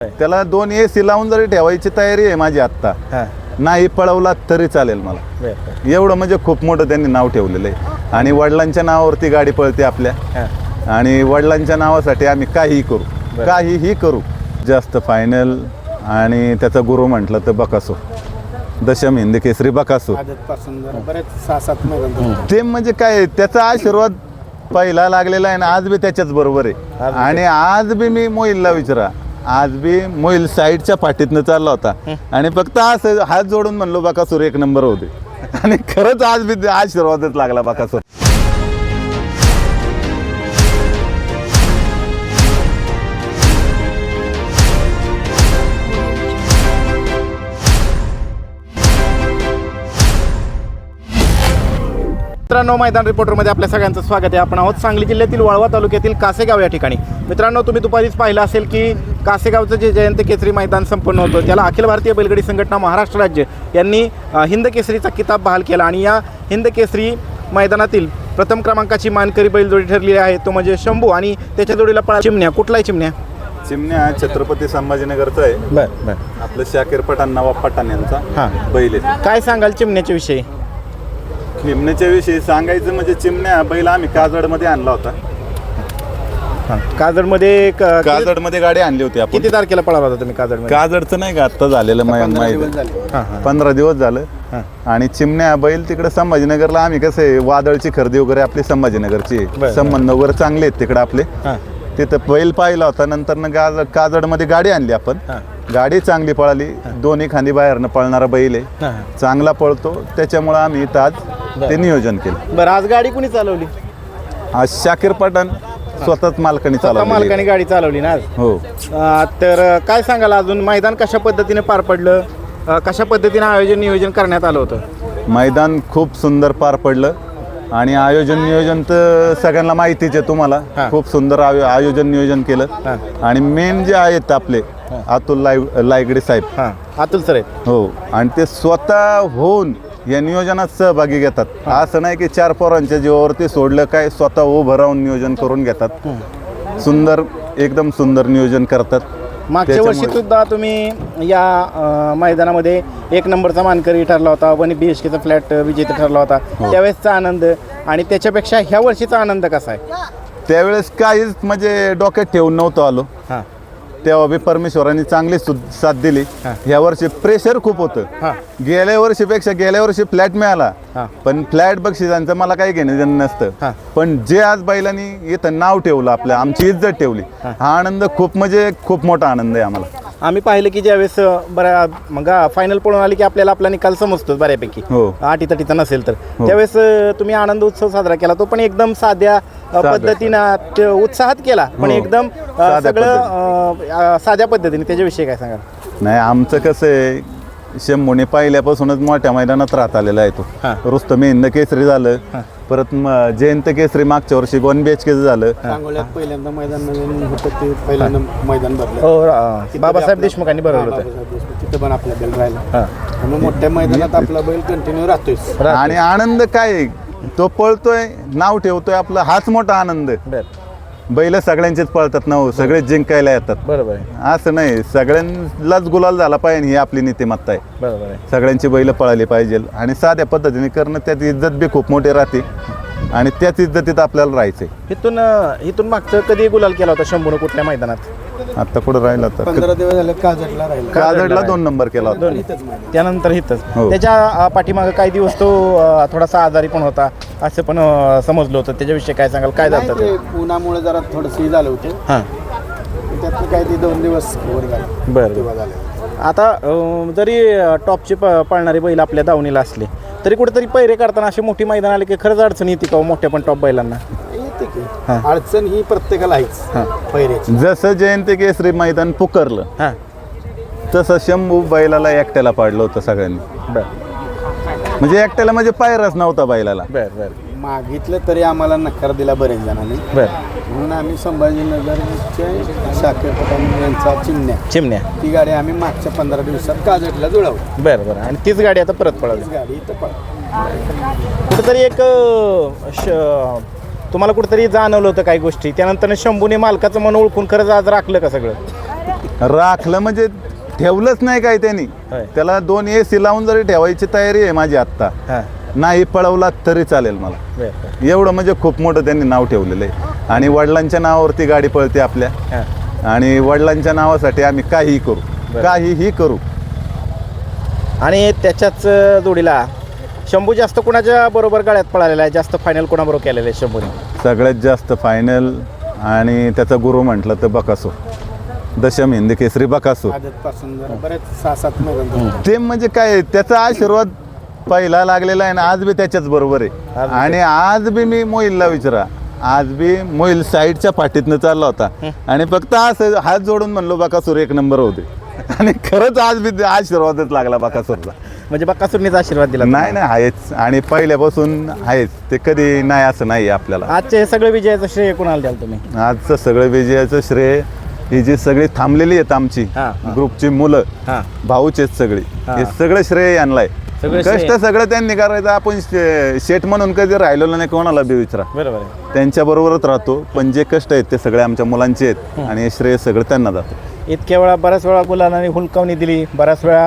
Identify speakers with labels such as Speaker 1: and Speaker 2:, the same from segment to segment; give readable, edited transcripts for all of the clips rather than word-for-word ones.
Speaker 1: त्याला 2 AC लावून जरी ठेवायची तयारी आहे माझी आत्ता. नाही पळवला तरी चालेल मला. एवढं म्हणजे खूप मोठं त्यांनी नाव ठेवलेलं आहे. आणि वडिलांच्या नावावरती गाडी पळते आपल्या. आणि वडिलांच्या नावासाठी आम्ही काहीही करू. जास्त फायनल आणि त्याचा गुरु म्हटलं तर बकासूर, दशम हिंद केसरी बकासूर. ते म्हणजे काय त्याचा आशीर्वाद पहिला लागलेला आहे ना, आज बी त्याच्याच बरोबर आहे. आणि आज बी मी मोहिलला विचारा, आज बी मोहिल साईडच्या पाठीतनं चालला होता आणि फक्त असं हात जोडून म्हणलो बकासूर 1 नंबर होते. आणि खरंच आज बी आशीर्वादच लागला बकासूर.
Speaker 2: मित्रांनो, मैदान रिपोर्टरमध्ये आपल्या सगळ्यांचं स्वागत आहे. आपण आहोत सांगली जिल्ह्यातील वाळवा तालुक्यातील कासेगाव या ठिकाणी. मित्रांनो, तुम्ही दुपारीच पाहिलं असेल की कासेगावचं जे जयंत केसरी मैदान संपन्न होतं त्याला अखिल भारतीय बैलगाडी संघटना महाराष्ट्र राज्य यांनी हिंद केसरीचा किताब बहाल केला. आणि या हिंद केसरी मैदानातील प्रथम क्रमांकाची मानकरी बैलजोडी ठरलेली आहे, तो म्हणजे शंभू आणि त्याच्या जोडीला पळा चिमण्या. कुठलाही
Speaker 1: चिमण्या छत्रपती संभाजीनगरचा आहे.
Speaker 2: बरं.
Speaker 1: आपलं शाकीर पठाण नवाब पठाण यांचा बैल आहे.
Speaker 2: काय सांगाल चिमण्याच्या विषयी?
Speaker 1: चिमण्याच्या विषयी सांगायचं म्हणजे चिमण्या बैल आम्ही काजडमध्ये आणला होता. काजडमध्ये गाडी आणली होती आपण.
Speaker 2: किती तारखेला पळाला होता तुम्ही काजडमध्ये?
Speaker 1: काजडचं नाही का आत्ता झालेलं माहिती, 15 दिवस झालं. आणि चिमण्या बैल तिकडे संभाजीनगरला आम्ही कसं आहे, वादळची खरेदी वगैरे आपली संभाजीनगरची संबंध वगैरे चांगले आहेत तिकडे आपले. तिथं बैल पाहिला होता. नंतर काजडमध्ये गाडी आणली आपण. गाडी चांगली पळाली, 2 खांदी बाहेरनं पळणारा बैल आहे, चांगला पळतो. त्याच्यामुळं आम्ही इथं आज ते नियोजन केलं.
Speaker 2: बरं, आज गाडी कुणी चालवली?
Speaker 1: आज शाकीर पठाण स्वतःच मालकाने
Speaker 2: मालकाने गाडी चालवली ना आज?
Speaker 1: हो.
Speaker 2: तर काय सांगाल अजून, मैदान कशा पद्धतीने पार पडलं, कशा पद्धतीने नियोजन करण्यात आलं होतं?
Speaker 1: मैदान खूप सुंदर पार पडलं. आणि नियोजन तर सगळ्यांना माहितीच आहे तुम्हाला. खूप सुंदर आयोजन नियोजन केलं. आणि मेन जे आहेत आपले अतुल लायगडे साहेब,
Speaker 2: अतुल सर आहेत.
Speaker 1: हो. आणि ते स्वतः होऊन या नियोजनात सहभागी घेतात. असं नाही की 4 पोरांच्या जीवावरती सोडलं, काय स्वतः उभं राहून नियोजन करून घेतात. सुंदर, एकदम सुंदर नियोजन करतात.
Speaker 2: मागच्या वर्षी सुद्धा तुम्ही या मैदानामध्ये 1 नंबरचा मानकरी ठरला होता, 1 BHKचा फ्लॅट विजेता ठरला होता. त्यावेळेसचा आनंद आणि त्याच्यापेक्षा ह्या वर्षीचा आनंद कसा आहे?
Speaker 1: त्यावेळेस काहीच म्हणजे डोक्यात ठेवून नव्हतं आलो. तेव्हा बी परमेश्वरांनी चांगली साथ दिली. ह्या वर्षी प्रेशर खूप होतं. गेल्या वर्षी फ्लॅट मिळाला, पण फ्लॅट बक्षिसांचं मला काही घेणं देणं नसतं. पण जे आज बैलांनी इथं नाव ठेवलं, आपलं आमची इज्जत ठेवली, हा आनंद खूप म्हणजे खूप मोठा आनंद आहे आम्हाला.
Speaker 2: आम्ही पाहिलं की ज्यावेळेस मग फायनल पळून आली की आपल्याला आपला निकाल समजतो बऱ्यापैकी, अटीतटीचा नसेल तर. त्यावेळेस तुम्ही आनंद उत्सव साजरा केला, तो पण एकदम साध्या पद्धतीनं उत्साहात केला, पण एकदम सगळं साध्या पद्धतीने. त्याच्याविषयी काय सांगाल?
Speaker 1: नाही, आमचं कसं आहे, शंभूने पहिल्यापासूनच मोठ्या मैदानात राहत आलेला आहे तो. रुस्तम हिंद केसरी झालं, परत जयंत केसरी मागच्या वर्षी 1 BHK झालं.
Speaker 3: पहिल्यांदा मैदान होतं ते पहिल्यांदा मैदान भरलं.
Speaker 2: बाबासाहेब देशमुखांनी भरवलं होतं.
Speaker 3: तिथं पण आपला बैल राहिला. मग मोठ्या मैदानात आपला बैल कंटिन्यू राहतोय.
Speaker 1: आणि आनंद काय, तो पळतोय, नाव ठेवतोय आपलं, हाच मोठा आनंद. बैल सगळ्यांचेच पळतात ना, सगळेच जिंकायला येतात.
Speaker 2: बरोबर आहे.
Speaker 1: असं नाही, सगळ्यांनाच गुलाल झाला पाहिजे, ही आपली नीतिमत्ता आहे.
Speaker 2: बरोबर आहे.
Speaker 1: सगळ्यांची बैल पळाली पाहिजे आणि साध्या पद्धतीने करणं, त्यात इज्जत बी खूप मोठी राहते आणि त्याच इज्जतीत आपल्याला राहायचंय.
Speaker 2: इथून मागचं कधी गुलाल केला होता शंभूनं कुठल्या मैदानात?
Speaker 1: आता कुठं राहिला तर
Speaker 3: 15 दिवस झाले काजडला राहिला.
Speaker 1: काजडला 2 नंबर केला होता.
Speaker 2: त्यानंतर इथंच.
Speaker 1: हो.
Speaker 2: त्याच्या पाठीमागं काही दिवस तो थोडासा आजारी पण होता असं पण समजलं होतं. त्याच्याविषयी काय सांगाल? काय झालं ते?
Speaker 3: उन्हामुळे जरा थोडंसं झालं होतं. त्यातलं काही ते 2 दिवस कव्हर झालं.
Speaker 2: बरं. आता जरी टॉपची पळणारी बैल आपल्या दावणीला असले तरी कुठेतरी पैरे करताना अशी मोठी मैदान आले की खरंच अडचण येते का मोठ्या पण टॉप बैलांना?
Speaker 3: अडचण ही प्रत्येकाला आहेच पैऱ्याची.
Speaker 1: जसं जयंत केसरी मैदान पुकारलं तसं शंभू बैलाला एकट्याला पाडलं होतं सगळ्यांनी. म्हणजे एकट्याला म्हणजे पायरच नव्हता बैलाला.
Speaker 3: मागितलं तरी आम्हाला नकार दिला बरेच जणांनी. म्हणून आम्ही संभाजीनगरच्या शाकीर पठाण यांचा चिमण्या ती गाडी आम्ही मागच्या 15 दिवसात काजडला जुळवली.
Speaker 2: बरं. आणि तीच गाडी आता परत पळाली.
Speaker 3: गाडी इथं
Speaker 2: कुठेतरी एक तुम्हाला कुठेतरी जाणवलं होतं काही गोष्टी, त्यानंतर शंभूने मालकाचं मन ओळखून खरंच आज राखलं का सगळं?
Speaker 1: राखलं म्हणजे ठेवलंच नाही काय त्यांनी.
Speaker 2: होय.
Speaker 1: त्याला 2 AC लावून जरी ठेवायची तयारी आहे माझी आत्ता.
Speaker 2: हां
Speaker 1: नाही पळवला तरी चालेल मला.
Speaker 2: बरं
Speaker 1: एवढं म्हणजे खूप मोठं त्यांनी नाव ठेवलेलं आहे. आणि वडिलांच्या नावावरती गाडी पळते आपल्या.
Speaker 2: हां
Speaker 1: आणि वडिलांच्या नावासाठी आम्ही काहीही करू, काहीही करू.
Speaker 2: आणि त्याच्याच जोडीला शंभू जास्त कुणाच्या बरोबर गाड्यात पळालेला आहे, जास्त फायनल कोणाबरोबर केलेलं आहे शंभूने?
Speaker 1: सगळ्यात जास्त फायनल आणि त्याचा गुरु म्हटलं तर बकासूर, दशम हिंद केसरी बकासूर.
Speaker 3: आजपासून जरा बरेच 6-7 मैदान
Speaker 1: ते म्हणजे काय त्याचा आशीर्वाद पहिला लागलेला आहे ना, आज बी त्याच्याच बरोबर आहे. आणि आज बी मी मोहिलला विचारा, आज बी मोहिल साईडच्या पाठीतनं चालला होता आणि फक्त असं हात जोडून म्हणलो बकासूर 1 नंबर होते. आणि खरंच आज बी आशीर्वादच लागला बकासूरचा.
Speaker 2: म्हणजे बक्कासूरनीचा आशीर्वाद दिला?
Speaker 1: नाही आहेच आणि पहिल्यापासून आहेच ते, कधी नाही असं नाही आपल्याला.
Speaker 2: आजचे हे सगळे विजयाचं श्रेय कोणाला द्याल तुम्ही?
Speaker 1: आजचं सगळं विजयाचं श्रेय ही जी सगळी थांबलेली आहेत आमची ग्रुपची मुलं, भाऊच आहेत सगळी, हे सगळं श्रेय आणलाय. कष्ट सगळं त्यांनी करायचं. आपण शेट म्हणून कधी राहिलो नाही कोणाला बी विचारा,
Speaker 2: बरोबर
Speaker 1: त्यांच्या बरोबरच राहतो. पण जे कष्ट आहेत ते सगळे आमच्या मुलांचे आहेत आणि हे श्रेय सगळं त्यांना जातं.
Speaker 2: इतक्या वेळा बऱ्याच वेळा मुलांना हुलकावणी दिली, बऱ्याच वेळा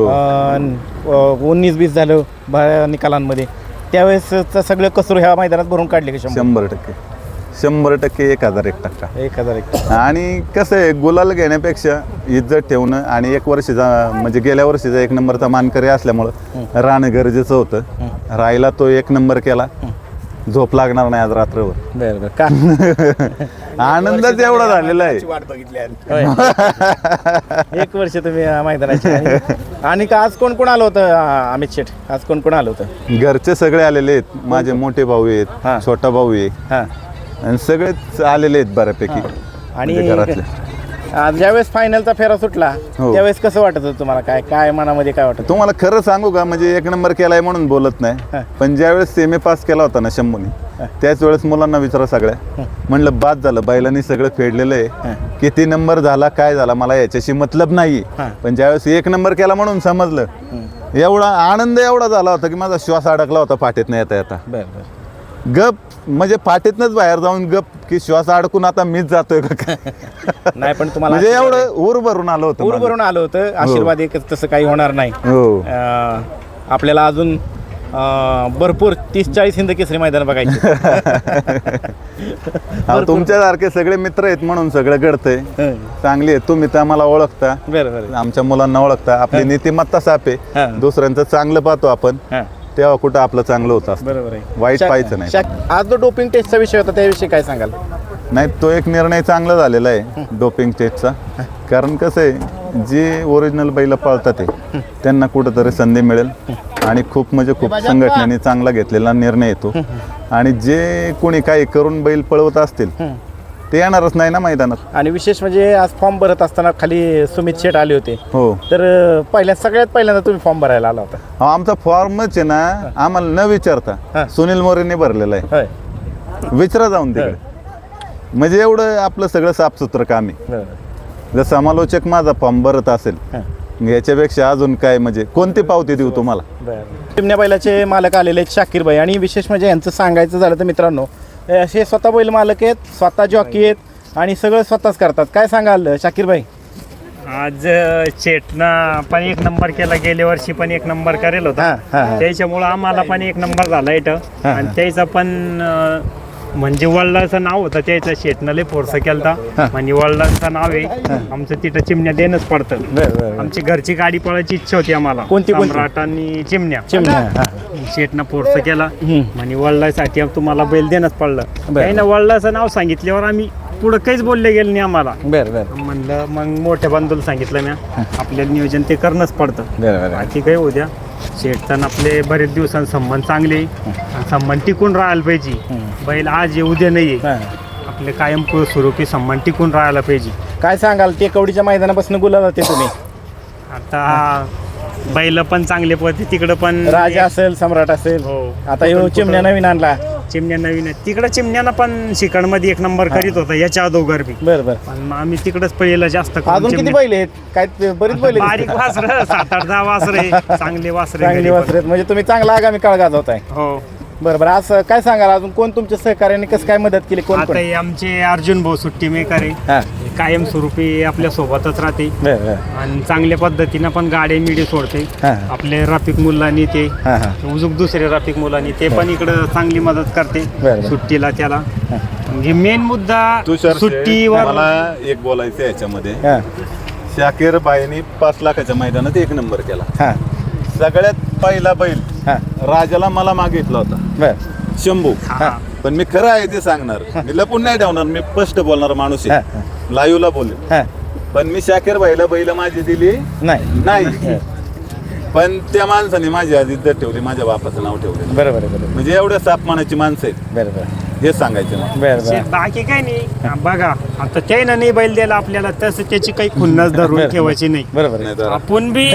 Speaker 2: 19-20 झालं निकालांमध्ये, त्यावेळेस सगळे कसूर ह्या मैदानात भरून काढले का?
Speaker 1: 100%, 1001%.
Speaker 2: 1001.
Speaker 1: आणि कसं आहे, गुलाल घेण्यापेक्षा इज्जत ठेवणं आणि 1 वर्षीचा म्हणजे गेल्या वर्षीचा 1 नंबरचा मानकरी असल्यामुळं राहणं गरजेचं होतं. राहिला तो 1 नंबर केला, झोप लागणार नाही आज रात्रभर.
Speaker 2: बरं का?
Speaker 1: आनंदच एवढा झालेला आहे.
Speaker 3: वाट बघितली आहे.
Speaker 2: 1 वर्ष तुम्ही मैदानाचे. आणि का आज कोण कोण आलं होतं अमित शेठ? आज कोण कोण आलं होतं?
Speaker 1: घरचे सगळे आलेले आहेत, माझे मोठे भाऊ आहेत, छोटा भाऊ आहे, आणि सगळेच आलेले आहेत बऱ्यापैकी.
Speaker 2: आणि
Speaker 1: घरातले
Speaker 2: ज्यावेळेस फायनलचा फेरा सुटला त्यावेळेस कसं वाटत होतं तुम्हाला? काय मनामध्ये काय वाटत?
Speaker 1: तुम्हाला खरं सांगू का, म्हणजे 1 नंबर केलाय म्हणून बोलत नाही, पण ज्यावेळेस सेमी पास केला होता ना शंभूने, त्याच वेळेस मुलांना विचारा सगळ्या, म्हणलं बाद झालं, बैलांनी सगळं फेडलेलं आहे, किती नंबर झाला काय झाला मला याच्याशी मतलब नाही. पण ज्यावेळेस 1 नंबर केला म्हणून समजलं, एवढा आनंद एवढा झाला होता की माझा श्वास अडकला होता पाठीत येता येता. गप म्हणजे पाठीतनच बाहेर जाऊन गप की श्वास अडकून आता मीच जातोय का
Speaker 2: नाही, पण तुम्हाला
Speaker 1: म्हणजे एवढं ऊर भरून आलं होतं.
Speaker 2: ऊर भरून आलं होतं. आशीर्वाद एक तसं काही होणार नाही.
Speaker 1: हो,
Speaker 2: आपल्याला अजून भरपूर 30-40 हिंद केसरी मैदान बघायचे.
Speaker 1: तुमच्यासारखे सगळे मित्र आहेत म्हणून सगळं घडतंय. चांगली आहे तुम्ही तर आम्हाला ओळखता,
Speaker 2: बरोबर,
Speaker 1: आमच्या मुलांना ओळखता. आपली नीतिमत्ता साप आहे, दुसऱ्यांचं चांगलं पाहतो आपण, तेव्हा कुठं आपलं चांगलं होतं.
Speaker 2: बरोबर आहे,
Speaker 1: वाईट पाहायचं नाही.
Speaker 2: आज जो डोपिंग टेस्टचा विषय होता त्याविषयी काय सांगाल?
Speaker 1: नाही, तो एक निर्णय चांगला झालेला आहे डोपिंग टेस्टचा. कारण कसं आहे, जे ओरिजिनल बैल पाळतात त्यांना कुठंतरी संधी मिळेल आणि खूप म्हणजे खूप संघटनेने चांगला घेतलेला निर्णय येतो. आणि जे कोणी काही करून बैल पळवत असतील ते येणारच नाही ना मैदानात.
Speaker 2: आणि विशेष म्हणजे आज फॉर्म भरत असताना खाली सुमित शेठ आले होते.
Speaker 1: हो,
Speaker 2: तर सगळ्यात पहिल्यांदा तुम्ही फॉर्म भरायला आला होता?
Speaker 1: आमचा फॉर्मच आहे ना, आम्हाला न विचारता सुनील मोरेने भरलेला आहे. विचारा जाऊन तिकडे. म्हणजे एवढं आपलं सगळं साफसुथरं काम आहे. जर समालोचक माझा फॉर्म भरत असेल याच्यापेक्षा अजून काय, म्हणजे कोणती पावती देऊ तुम्हाला?
Speaker 2: चिमण्या बैलाचे मालक आलेले आहेत शाकीर भाई. आणि विशेष म्हणजे यांचं सांगायचं झालं तर मित्रांनो, असे स्वतः बैल मालक आहेत, स्वतः जॉकी आहेत आणि सगळं स्वतःच करतात. काय सांगाल शाकीर भाई?
Speaker 4: आज शेटनं पण 1 नंबर केला, गेल्या वर्षी पण 1 नंबर करेल होता, त्याच्यामुळं आम्हाला पण 1 नंबर झाला इथं. आणि त्याचं पण म्हणजे वडिलांचं नाव होतं, त्याचं शेटनं लय फोर्स केलता. म्हणजे वडिलांचं नाव आहे आमचं, तिथं चिमण्या देणंच पडतं. आमची घरची गाडी पळायची इच्छा होती आम्हाला,
Speaker 2: कोणती?
Speaker 4: सम्राट आणि चिमण्या. शेटनं फोर्स केला, म्हणजे वडिलांसाठी तुम्हाला बैल देणंच पडलं. त्यानं वडिलांचं नाव सांगितल्यावर आम्ही पुढं काहीच बोलले गेलं नाही आम्हाला. म्हणलं मग मोठ्या बांधूला सांगितलं ना, आपल्याला नियोजन ते करणंच पडतं. बाकी काही उद्या शेटचं आपले बरेच दिवसांत संबंध चांगले, संबंध टिकून राहायला पाहिजे. बैल आज ये उद्या नाही आहे, आपले कायम सुरू की संबंध टिकून राहायला पाहिजे.
Speaker 2: काय सांगाल? टेकवडीच्या मैदानापासून गुलाल होते तुम्ही.
Speaker 4: आता बैल पण चांगले पडते, तिकडं पण
Speaker 2: राजा असेल, सम्राट असेल.
Speaker 4: हो,
Speaker 2: आता ह्यो चिमण्या नवीन आणला.
Speaker 4: चिमण्या नवीन आहे, तिकडं चिमण्यानं पण शिकणमध्ये 1 नंबर करीत होता याच्या अगोदर बी.
Speaker 2: बरोबर.
Speaker 4: पण आम्ही तिकडच पहिलं जास्त करून
Speaker 2: अजून किती बैल आहेत? काय बरीच बैल आहेत.
Speaker 4: बारीक वासर 7-8-10 वासरे, चांगले वासरे,
Speaker 2: चांगली वासर आहेत. म्हणजे तुम्ही चांगला आगामी काळ गाजवताय.
Speaker 4: हो,
Speaker 2: बरोबर. आज काय सांगाल, अजून कोण तुमच्या सहकार्याने कसं काय मदत केली? कोण
Speaker 4: आता हे आमचे अर्जुन भाऊ सुट्टी मेकर आहे, कायमस्वरूपी आपल्या सोबतच राहते आणि चांगल्या पद्धतीनं पण गाड्या मिडी सोडते. आपले रफिक मुलांनी ते उजूक दुसरे रफिक मुलांनी ते पण इकडं चांगली मदत करते सुट्टीला त्याला. म्हणजे मेन मुद्दा सुट्टीवर
Speaker 1: मला एक बोलायचं याच्यामध्ये, शाकीर बाईंनी 5 लाखाच्या मैदानात 1 नंबर केला. सगळ्यात पहिला बैल राजाला मला मागितला होता, शंभू. पण मी खरं आहे ते सांगणार, मी लपून नाही ठेवणार, मी स्पष्ट बोलणार माणूस आहे, लाईव्हला बोलेल. पण मी शाकीर बाईला बैल माझी दिली नाही, पण त्या माणसाने माझी आधी इज्जत ठेवली, माझ्या बापाचं नाव ठेवलं. बरोबर. म्हणजे एवढ्या सापमानाची माणसं आहेत. बरोबर, हे सांगायचं.
Speaker 4: बाकी काय नाही. बघा आता त्यानं नाही बैल द्यायला आपल्याला, तसं त्याची काही खुन्नस धरून ठेवायची नाही. बरोबर, आपण बी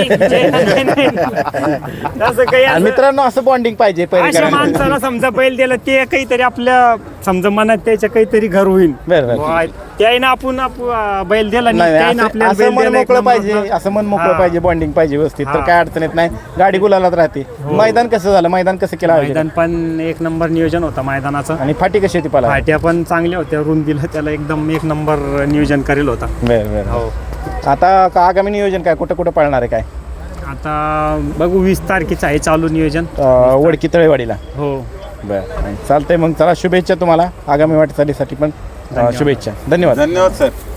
Speaker 4: तसं काही
Speaker 2: मित्रांनो असं बॉन्डिंग पाहिजे.
Speaker 4: अशा माणसाला समजा बैल दिला ते काहीतरी आपल्या समजा मनात त्याच्या काहीतरी घर होईल. त्यानं आपण बैल दिला
Speaker 2: असं मन मोकळं पाहिजे, असं मन मोकळं पाहिजे, बॉन्डिंग पाहिजे व्यवस्थित, तर काय अडचण येत नाही. गाडी गुलालात राहते. मैदान कसं झालं, मैदान कसं केलं?
Speaker 4: मैदान पण 1 नंबर नियोजन होतं मैदानाचं.
Speaker 2: आणि फाटी कशी होती? पाला
Speaker 4: फाट्या पण चांगल्या होत्या, रुंदीला त्याला एकदम 1 नंबर नियोजन करेल होता.
Speaker 2: हो. आता आगामी नियोजन काय, कुठं कुठं पळणार आहे काय?
Speaker 4: आता बघू 20 तारखेचं आहे चालू नियोजन,
Speaker 2: वडकी तळेवाडीला.
Speaker 4: हो.
Speaker 2: बरं, चालतंय. मग चला, शुभेच्छा तुम्हाला आगामी वाटचालीसाठी पण. शुभेच्छा. धन्यवाद.
Speaker 1: धन्यवाद सर.